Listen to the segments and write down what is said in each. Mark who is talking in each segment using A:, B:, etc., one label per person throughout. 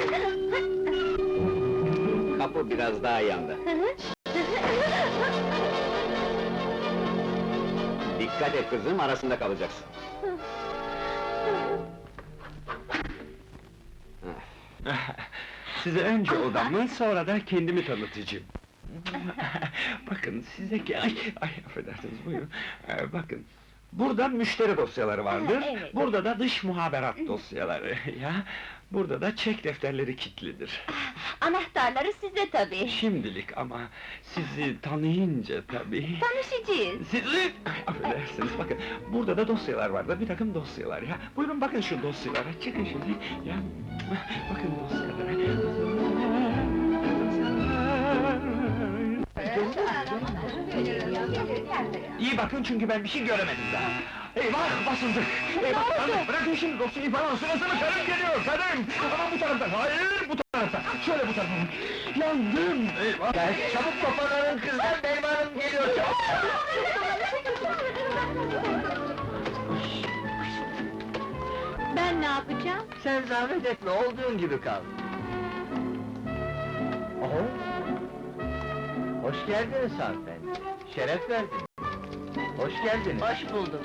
A: Kapı biraz daha yanda. Dikkat et kızım, arasında kalacaksın.
B: Size önce odamı, sonra da kendimi tanıtacağım. Bakın size ki... Ay, affedersiniz, buyurun. Bakın, burada müşteri dosyaları vardır,
C: Evet.
B: burada da dış muhaberat dosyaları, ya! Burada da çek defterleri kilitlidir.
C: Anahtarları sizde tabii.
B: Şimdilik ama sizi tanıyınca tabii...
C: Tanışacağız.
B: Sizi... Affedersiniz, bakın, burada da dosyalar vardır, bir takım dosyalar ya! Buyurun bakın şu dosyalara, çıkın şimdi, ya! Bakın dosyalara... İyi bakın çünkü ben bir şey göremedim daha! Eyvah, basıldık! Eyvah, hanım, bırakın şimdi dosyayı falan, sırasını karım geliyor, karım! Ama bu taraftan, hayır bu taraftan! Şöyle bu tarafa! Yandım, eyvah!
A: Çabuk toparlanın kızlar, benim hanım geliyor, çabuk!
C: Ben ne yapacağım?
A: Sen zahmet etme, olduğun gibi kal. Oho! Hoş geldiniz hanımefendi, şeref verdiniz. Hoş geldiniz.
C: Hoş bulduk.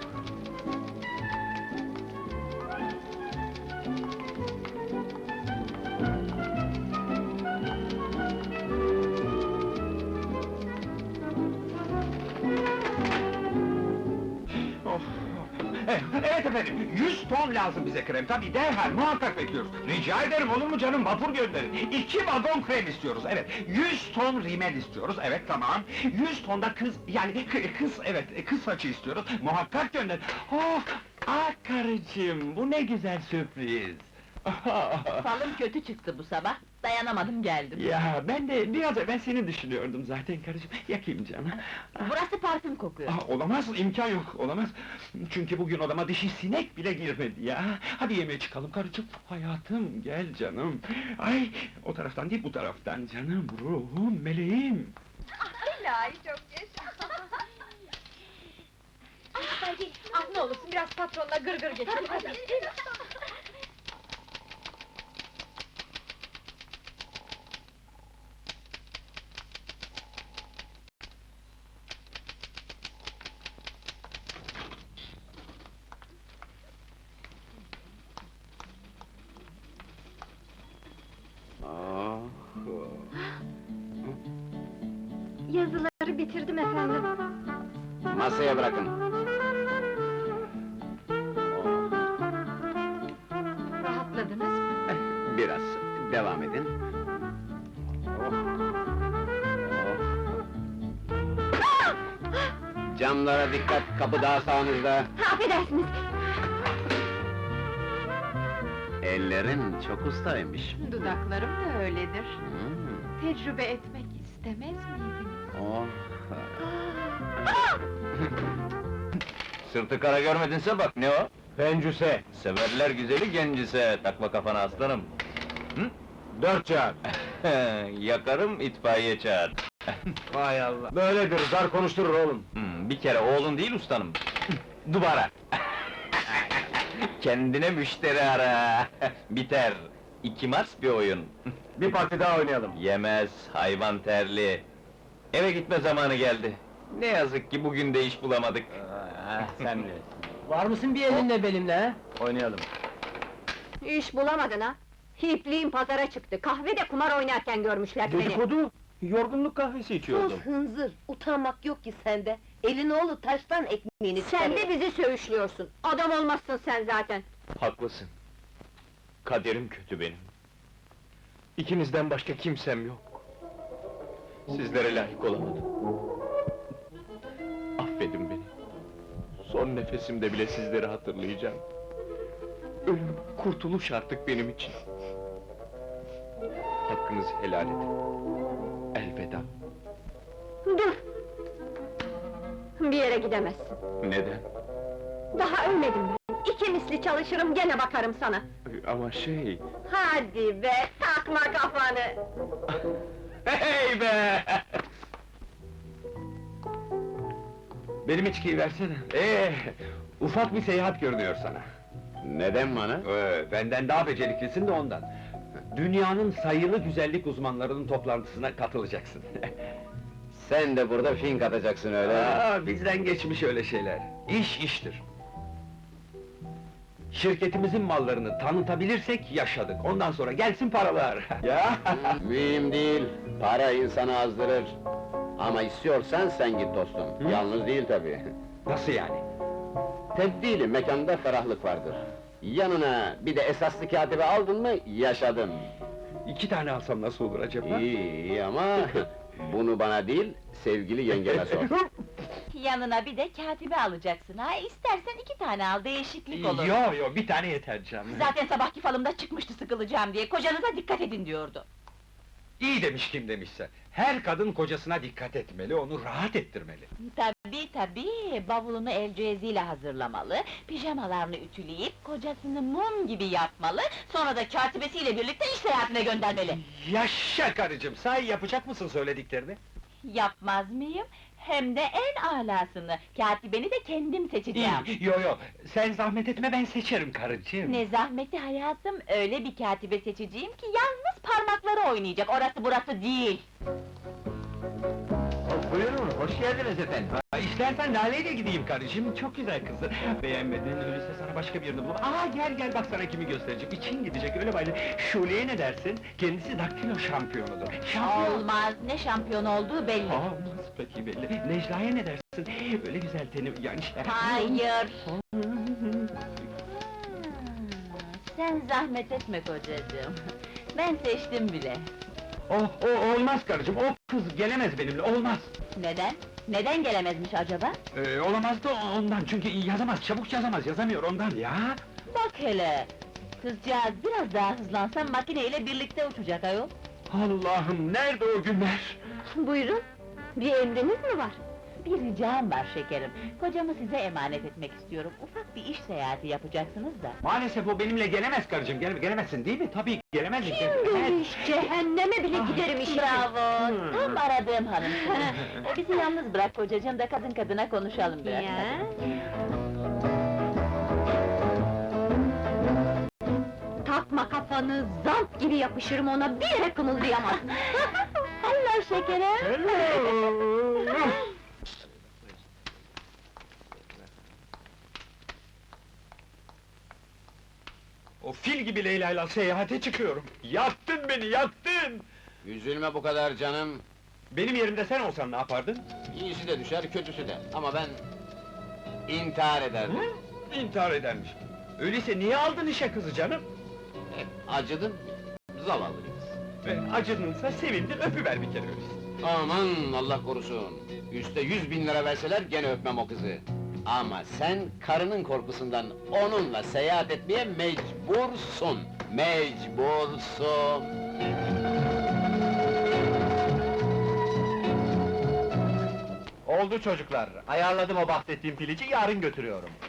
B: Oh! Evet efendim, 100 ton lazım bize krem, tabii derhal, muhakkak bekliyoruz. Rica ederim, olur mu canım, vapur gönderin. 2 vagon krem istiyoruz, evet. 100 ton rimel istiyoruz, evet tamam. 100 ton da kız, yani kız, evet, kız saçı istiyoruz, muhakkak gönderin. Oh! Ah karıcığım, bu ne güzel sürpriz!
C: Falım kötü çıktı bu sabah, dayanamadım geldim.
B: Ya, ben de biraz evvel seni düşünüyordum zaten karıcığım, yakayım canım.
C: Burası parfüm kokuyor.
B: Olamaz, imkan yok, olamaz! Çünkü bugün odama dişi sinek bile girmedi ya! Hadi yemeğe çıkalım karıcığım, hayatım, gel canım! Ay, o taraftan değil, bu taraftan canım, ruhum, meleğim!
D: İlahi çok yaşa! Hadi, ne olursun biraz patronla gırgır geçelim, hadi! Yazıları bitirdim efendim.
A: Masaya bırakın.
D: Rahatladınız mı?
A: Biraz, devam edin. Camlara dikkat, kapı daha sağınızda.
C: Affedersiniz!
A: Ellerin çok ustaymış.
D: Dudaklarım da öyledir.
A: Hmm,
D: Tecrübe etmek istemez miydiniz?
A: oh! Sırtı kara görmedinse bak, ne o?
B: Pencüse!
A: Severler güzeli gencise, takma kafana aslanım.
B: 4 çağır!
A: Yakarım, itfaiye çağır.
B: Vay Allah! Böyledir, zar konuşturur oğlum!
A: Bir kere oğlun değil ustanım. Duvara! Kendine müşteri ara! Biter! 2 Mars bir oyun.
B: Bir parti daha oynayalım!
A: Yemez, hayvan terli. Eve gitme zamanı geldi. Ne yazık ki bugün de iş bulamadık.
B: Sen de!
E: Var mısın bir elinle benimle ha?
B: Oynayalım!
C: İş bulamadın ha? Hipliğin pazara çıktı, kahvede kumar oynarken görmüşler seni.
B: Dedikodu! Yorgunluk kahvesi içiyordum.
E: Hınzır, utanmak yok ki sende. Elin oğlu taştan ekmeğini
C: Sen de bizi söğüşlüyorsun, adam olmazsın sen zaten.
B: Haklısın. Kaderim kötü benim. İkinizden başka kimsem yok. Sizlere layık olamadım. Affedin beni. Son nefesimde bile sizleri hatırlayacağım. Ölüm, kurtuluş artık benim için. Hakkınızı helal edin. Elveda.
C: Dur! Bir yere gidemezsin.
B: Neden?
C: Daha ölmedim ben. 2 misli çalışırım, gene bakarım sana.
B: Ama şey...
C: Hadi be, takma kafanı!
B: Hey be! Benim içkiyi versene. Ufak bir seyahat görünüyor sana.
A: Neden bana?
B: Benden daha beceriklisin de ondan. Dünyanın sayılı güzellik uzmanlarının toplantısına katılacaksın.
F: Sen de burada fink atacaksın öyle.
B: Aa, bizden geçmiş öyle şeyler. İş iştir. Şirketimizin mallarını tanıtabilirsek yaşadık. Ondan sonra gelsin paralar. Ya!
F: Mühim değil, para insanı azdırır. Ama istiyorsan sen git dostum. Yalnız değil tabii.
B: Nasıl yani?
F: Tebdili mekanda ferahlık vardır. Yanına bir de esaslı katibi aldın mı, yaşadın.
B: 2 tane alsam nasıl olur acaba?
F: İyi ama bunu bana değil, sevgili yengeme sor.
G: Yanına bir de katibi alacaksın ha, istersen 2 tane al, değişiklik olur.
B: Yo, bir tane yeter canım.
G: Zaten sabahki falımda çıkmıştı sıkılacağım diye, kocanıza dikkat edin diyordu.
B: İyi demiş kim demişse. Her kadın kocasına dikkat etmeli, onu rahat ettirmeli.
G: Tabii, bavulunu el cihazıyla hazırlamalı, pijamalarını ütüleyip, kocasını mum gibi yapmalı, sonra da katibesiyle birlikte iş seyahatine göndermeli.
B: Yaşa karıcığım, sahi yapacak mısın söylediklerini?
G: Yapmaz mıyım? Hem de en alasını, katibeni de kendim seçeceğim.
B: Yo, sen zahmet etme, ben seçerim karıcığım.
G: Ne zahmeti hayatım, öyle bir katibe seçeceğim ki yalnız parmakları oynayacak, orası burası değil.
B: Buyurun, hoş geldiniz efendim. İstersen Lale'yle gideyim karıcığım, çok güzel kızdır. Beğenmedin, öyleyse sana başka birini bul. Gel, bak sana kimi göstereceğim. İçin gidecek, öyle bayılır. Şule'ye ne dersin? Kendisi daktilo şampiyonudur.
G: Olmaz, ne şampiyon olduğu belli.
B: Nasıl peki belli? Necla'ya ne dersin? Öyle güzel teni, yani işte...
G: Hayır! Sen zahmet etme kocacığım. Ben seçtim bile.
B: Olmaz karıcığım, o kız gelemez benimle, olmaz!
G: Neden? Neden gelemezmiş acaba?
B: Olamaz da ondan, çünkü yazamaz, çabuk yazamıyor ondan ya!
G: Bak hele! Kızcağız biraz daha hızlansa makineyle birlikte uçacak ayol.
B: Allah'ım, nerede o günler?
C: Buyurun, bir emriniz mi var?
G: Bir ricam var şekerim. Kocamı size emanet etmek istiyorum. Ufak bir iş seyahati yapacaksınız da.
B: Maalesef o benimle gelemez karıcığım, gelemezsin değil mi? Tabii gelemez.
C: Demiş, cehenneme bile giderim işte!
G: Bravo! Tam aradığım hanımsın. Bizi yalnız bırak kocacığım da kadın kadına konuşalım biraz.
C: Ya. Takma kafanı, zamp gibi yapışırım ona, bir yere kımıldayamaz! Hello şekerim!
B: O fil gibi Leyla'yla seyahate çıkıyorum. Yaktın beni, yaktın!
F: Üzülme bu kadar canım.
B: Benim yerimde sen olsan ne yapardın?
F: İyisi de düşer, kötüsü de. Ama ben... intihar ederdim.
B: İntihar edermiş. Öyleyse niye aldın işe kızı canım?
F: Acıdın, zavallı bir kız.
B: Acınınsa sevindin, öpüver bir kere öyleyse.
F: Aman Allah korusun! Üste 100.000 lira verseler gene öpmem o kızı. Ama sen karının korkusundan onunla seyahat etmeye mecbursun. Mecbursun!
B: Oldu çocuklar, ayarladım o bahsettiğim pilici, yarın götürüyorum.